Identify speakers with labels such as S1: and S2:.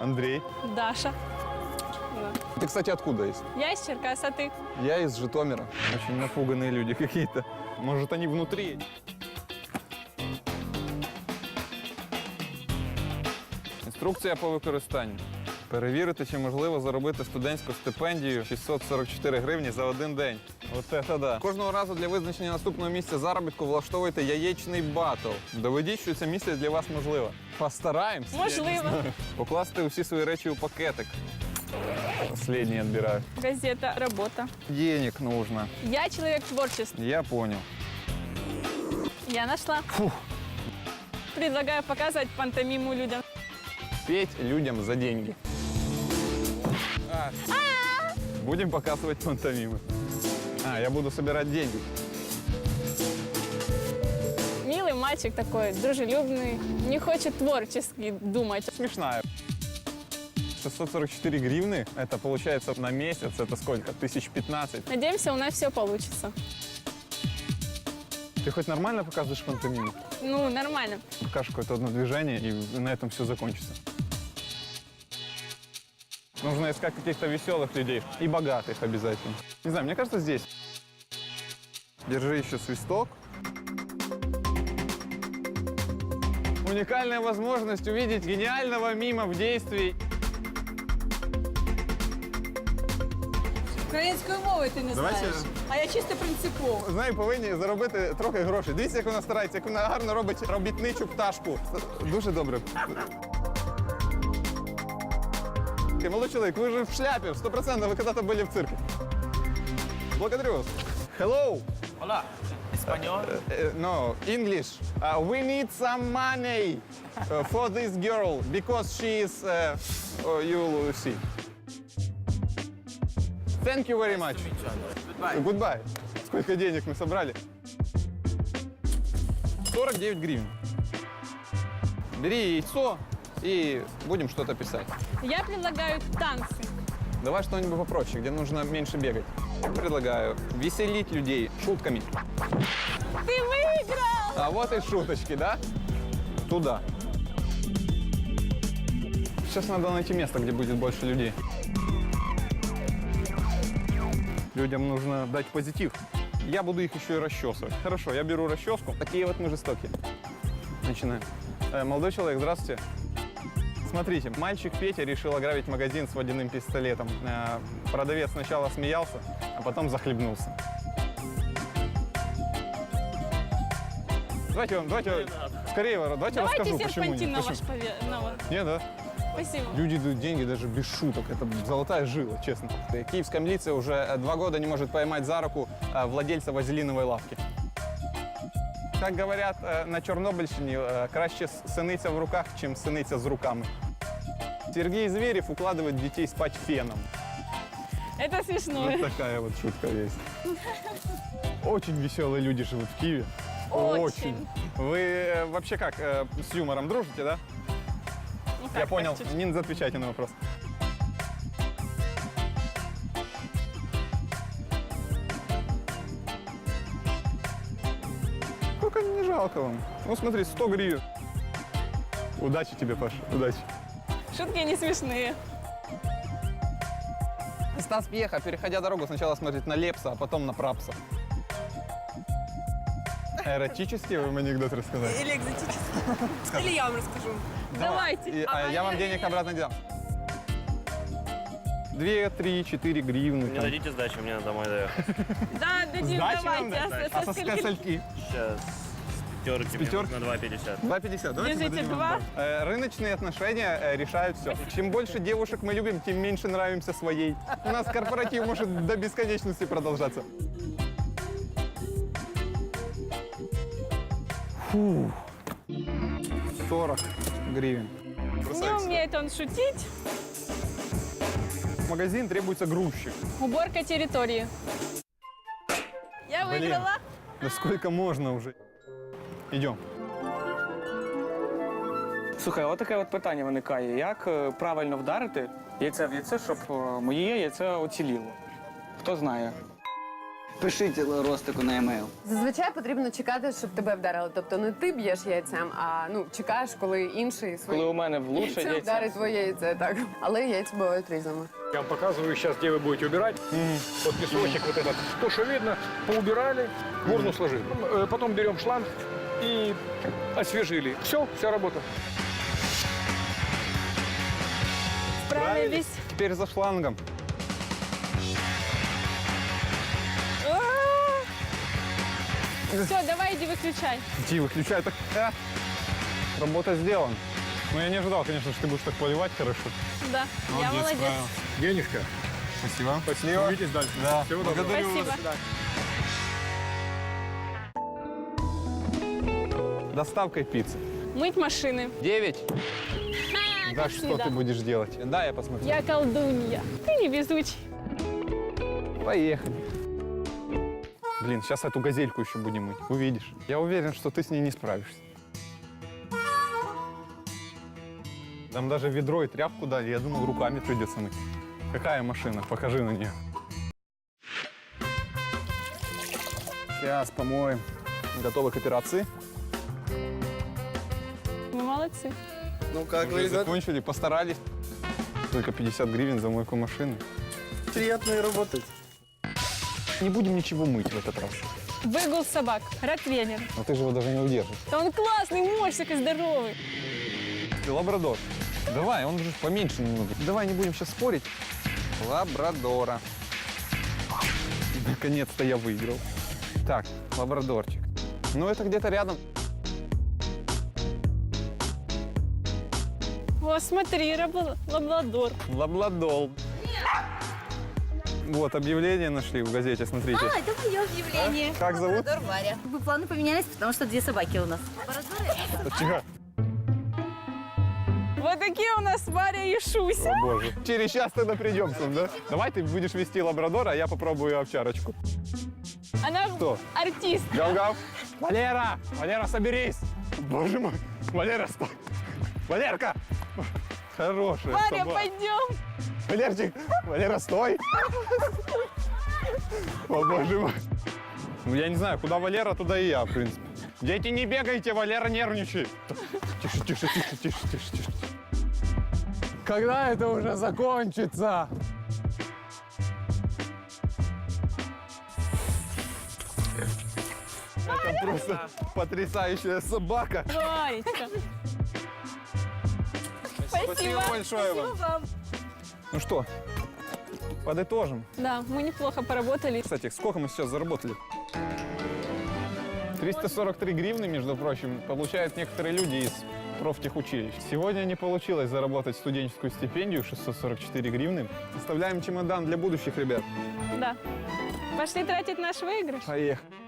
S1: Андрей.
S2: Даша.
S1: Ты, кстати, откуда есть?
S2: Я из Черкас, а ты?
S1: Я из Житомира. Очень напуганные люди какие-то. Может, они внутри? Інструкція по використанню. Перевірити, чи можливо заробити студентську стипендію 644 гривні за один день. Оце та да. Кожного разу для визначення наступного місця заробітку влаштовуйте яєчний батл. Доведіть, що це місце для вас можливо. Постараємось.
S2: Можливо.
S1: Покласти усі свої речі у пакетик. Последний отбираю.
S2: Газета, работа.
S1: Денег нужно.
S2: Я человек творчества.
S1: Я понял.
S2: Я нашла.
S1: Фух.
S2: Предлагаю показывать пантомиму людям.
S1: Петь людям за деньги. Будем показывать пантомимы. Я буду собирать деньги.
S2: Милый мальчик такой, дружелюбный, не хочет творчески думать.
S1: Смешная. 644 гривны, это получается на месяц, это сколько? 1015.
S2: Надеемся, у нас все получится.
S1: Ты хоть нормально показываешь пантомиму?
S2: Ну, нормально.
S1: Покажешь какое-то одно движение, и на этом все закончится. Нужно искать каких-то веселых людей и богатых обязательно. Не знаю, мне кажется, здесь. Держи еще свисток. Уникальная возможность увидеть гениального мима в действии.
S3: Українською мовою ти не
S1: Давайте-
S3: знаєш. А я чисто принципово.
S1: Знаю, повинні заробити трохи грошей. Дивіться, як вона старається, як вона гарно робить робітничу пташку. Дуже добре. Молодой человек, вы же в шляпе, 100% вы когда-то были в цирке. Благодарю вас. Hello.
S4: Hola, español.
S1: No, English. We need some money for this girl because she is, you see. Thank you very much.
S4: Goodbye.
S1: Goodbye. Сколько денег мы собрали? 49 гривен. Бери яйцо и будем что-то писать.
S2: Я предлагаю танцы.
S1: Давай что-нибудь попроще, где нужно меньше бегать. Предлагаю веселить людей шутками.
S2: Ты выиграл!
S1: А вот и шуточки, да? Туда. Сейчас надо найти место, где будет больше людей. Людям нужно дать позитив. Я буду их еще и расчесывать. Хорошо, я беру расческу. Такие вот мы жестокие. Начинаем. Молодой человек, здравствуйте. Смотрите, мальчик Петя решил ограбить магазин с водяным пистолетом. Продавец сначала смеялся, а потом захлебнулся. Давайте скорее, давайте расскажу, почему
S2: серпантин
S1: нет.
S2: на
S1: Почему?
S2: ваш пове...
S1: Нет, да?
S2: Спасибо.
S1: Люди дают деньги даже без шуток. Это золотая жила, честно. Киевская милиция уже 2 года не может поймать за руку владельца вазелиновой лавки. Как говорят на Чорнобильщині, краще синиця в руках, чем синиця з руками. Сергей Зверев укладывает детей спать феном.
S2: Это смешно.
S1: Вот такая вот шутка есть. Очень веселые люди живут в Киеве.
S2: Очень.
S1: Вы вообще как, с юмором дружите, да?
S2: Ну,
S1: Я
S2: как,
S1: понял.
S2: так, чуть-чуть.
S1: Не отвечайте на вопрос. Сколько не жалко вам? Ну смотри, 100 гривен. Удачи тебе, Паша, удачи.
S2: Шутки не смешные.
S1: Стас Пьеха, переходя дорогу, сначала смотрит на Лепса, а потом на Прапса. Эротический вам анекдот рассказать?
S3: Или экзотический. Или я вам расскажу.
S2: Давайте.
S1: Я вам денег обратно дам. 2, 3, 4 гривны.
S4: Не дадите сдачи, мне на домой доехать.
S2: Да, дадим,
S1: Сдачи вам
S2: давайте.
S1: дать?
S2: А
S1: А
S2: со
S1: со
S2: скольки?
S1: скольки?
S4: Сейчас пятерки мне
S1: пятерки?
S4: нужно 2,50.
S1: 2,50. Давайте
S2: Держите
S1: выдадим
S2: 2.
S1: вам. Рыночные отношения решают все. Чем больше девушек мы любим, тем меньше нравимся своей. У нас корпоратив может до бесконечности продолжаться. Фу. 40 гривен.
S2: Не умеет он шутить.
S1: В магазин требуется грузчик.
S2: Уборка территории. Я
S1: Блин.
S2: выиграла.
S1: Да сколько можно уже? Идем.
S5: Слухай, от таке от питання виникає. Як правильно вдарити яйце в яйце, щоб моє яйце оціліло? Хто знає?
S6: Пишіть Ростику на емейл.
S7: Зазвичай потрібно чекати, щоб тебе вдарили. Тобто не ти б'єш яйцем, а чекаєш, коли інший
S5: Коли у мене влучать
S7: яйцем
S5: яйця.
S7: вдарить твоє яйце, так. Але яйця бувають різними.
S8: Я вам показываю сейчас, где вы будете убирать. Вот песочек вот этот. То, что видно, поубирали, в урну сложили. Потом берем шланг и освежили. Все, вся работа.
S2: Справились.
S1: Теперь за шлангом.
S2: Все, давай иди выключай.
S1: Иди, выключай. Так, работа сделана. Но я не ожидал, конечно, что ты будешь так поливать хорошо.
S2: Да, я молодец.
S8: Денежка.
S1: Спасибо. Спасибо.
S8: Увидитесь дальше.
S1: Да,
S8: Всего доброго.
S1: благодарю
S2: Спасибо.
S1: вас. Доставкой пиццы.
S2: Мыть машины.
S1: 9.
S2: Ха,
S1: Да,
S2: как
S1: что
S2: всегда.
S1: ты будешь делать? Да, я посмотрю.
S2: Я колдунья. Ты невезучий.
S1: Поехали. Блин, сейчас эту газельку еще будем мыть. Увидишь. Я уверен, что ты с ней не справишься. Там даже ведро и тряпку дали. Я думал, руками придется мыть. Какая машина? Покажи на нее. Сейчас помоем. Готовы к операции?
S2: Вы молодцы.
S6: Ну как
S1: Уже закончили, постарались. Только 50 гривен за мойку машины.
S6: Приятно и работать.
S1: Не будем ничего мыть в этот раз.
S2: Выгул собак. Ротвейлер.
S1: Но ты же его даже не удержишь.
S2: Да он классный, мощный и здоровый.
S1: Ты лабрадор. Давай, он уже поменьше немного. Давай не будем сейчас спорить. Лабрадора. Наконец-то я выиграл. Так, лабрадорчик. Ну, это где-то рядом.
S2: О, смотри, лабрадор.
S1: Лабладол. Вот, объявление нашли в газете, смотрите.
S3: Это мое объявление.
S1: Как зовут?
S3: Лабрадор Варя. Планы поменялись, потому что 2 собаки у нас.
S1: Тихо.
S2: Вот такие у нас Варя и Шуся.
S1: О, боже. Через час тогда придем к нам, да? Давай ты будешь вести лабрадора, а я попробую овчарочку.
S2: Она
S1: Что?
S2: артист.
S1: Гав-гав. Валера! Валера, соберись! Боже мой! Валера, стой! Валерка! Хорошая
S2: Варя,
S1: собака.
S2: пойдем.
S1: Валерчик! Валера, стой! О, боже мой! Ну, я не знаю, куда Валера, туда и я, в принципе. Дети, не бегайте, Валера нервничает. Тише, тише, тише, тише, тише, тише. Когда это уже закончится? Это просто потрясающая собака.
S2: Варечка. Спасибо.
S1: большое вам. Ну что, подытожим.
S2: Да, мы неплохо поработали.
S1: Кстати, сколько мы сейчас заработали? 343 гривны, между прочим, получают некоторые люди из профтехучилищ. Сегодня не получилось заработать студенческую стипендию 644 гривны. Оставляем чемодан для будущих ребят.
S2: Да. Пошли тратить наш выигрыш.
S1: Поехали.